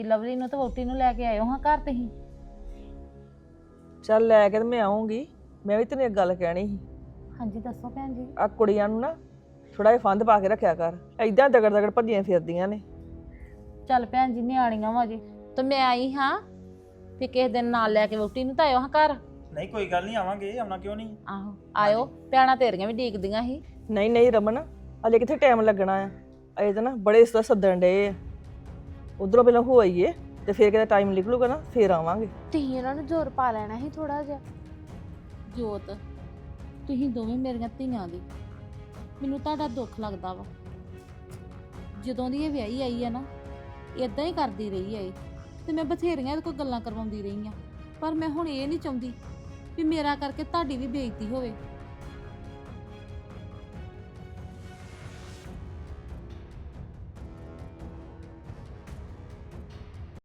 Lovely ਨੂੰ ਤੇ ਵੋਟੀ ਨੂੰ ਲੈ ਕੇ ਆਇਓ ਹਾਂ ਘਰ ਤੁਸੀਂ। ਚੱਲ ਲੈ ਕੇ ਤੇ ਮੈਂ ਆਉਂਗੀ। ਮੈਂ ਵੀ ਤੈਨੂੰ ਇੱਕ ਗੱਲ ਕਹਿਣੀ ਸੀ। ਹਾਂਜੀ ਦੱਸੋ ਭੈਣ ਜੀ। ਆ ਕੁੜੀਆਂ ਨੂੰ ਨਾ ਥੋੜਾ ਜਿਹਾ ਫੰਦ ਪਾ ਕੇ ਰੱਖਿਆ ਕਰ, ਐਦਾਂ ਦਗੜ ਦਗੜ ਭੱਜੀਆਂ ਫਿਰਦੀਆਂ ਨੇ। ਚੱਲ ਭੈਣ ਜੀ ਨਿਆਣੀਆਂ ਵਾ ਜੇ ਤੇ ਮੈਂ ਆਈ ਹਾਂ ਤੇ ਕਿਸੇ ਦਿਨ ਨਾਲ ਲੈ ਕੇ ਵੋਟੀ ਨੂੰ ਤਾਂ ਆਇਓ ਹਾਂ ਘਰ। ਨਹੀਂ ਕੋਈ ਗੱਲ ਨਹੀਂ, ਆਵਾਂਗੇ, ਆਉਣਾ ਕਿਉਂ ਨਹੀਂ। ਆਹੋ ਆਇਓ, ਭੈਣਾਂ ਤੇਰੀਆਂ ਵੀ ਡੀਕਦੀਆਂ ਸੀ। ਨਹੀਂ ਨਹੀਂ ਰਮਨ, ਅਜੇ ਕਿੱਥੇ ਟਾਈਮ ਲੱਗਣਾ ਆ। ਅਜੇ ਤਾਂ ਨਾ ਬੜੇ ਇਸ ਤਰ੍ਹਾਂ ਸੱਦਣ ਡਏ ਆ। ਉਧਰੋਂ ਪਹਿਲਾਂ ਹੋ ਆਈਏ ਤੇ ਫਿਰ ਕਿਤੇ ਟਾਈਮ ਨਿਕਲੂਗਾ ਨਾ ਫਿਰ ਆਵਾਂਗੇ। ਤੁਸੀਂ ਇਹਨਾਂ ਨੂੰ ਜ਼ੋਰ ਪਾ ਲੈਣਾ ਸੀ ਥੋੜਾ ਜਿਹਾ। ਜੋਤ ਤੁਸੀਂ ਦੋਵੇਂ ਮੇਰੀਆਂ ਧੀਆਂ ਦੀ, ਮੈਨੂੰ ਤੁਹਾਡਾ ਦੁੱਖ ਲੱਗਦਾ ਵਾ। ਜਦੋਂ ਦੀ ਇਹ ਵਿਆਹੀ ਆਈ ਆ ਨਾ ਇਦਾਂ ਹੀ ਕਰਦੀ ਰਹੀ ਆ ਇਹ, ਤੇ ਮੈਂ ਬਥੇਰੀਆਂ ਇਹਦੇ ਕੋਲ ਗੱਲਾਂ ਕਰਵਾਉਂਦੀ ਰਹੀ ਆ, ਪਰ ਮੈਂ ਹੁਣ ਇਹ ਨਹੀਂ ਚਾਹੁੰਦੀ ਵੀ ਮੇਰਾ ਕਰਕੇ ਤੁਹਾਡੀ ਵੀ ਬੇਇੱਜ਼ਤੀ ਹੋਵੇ।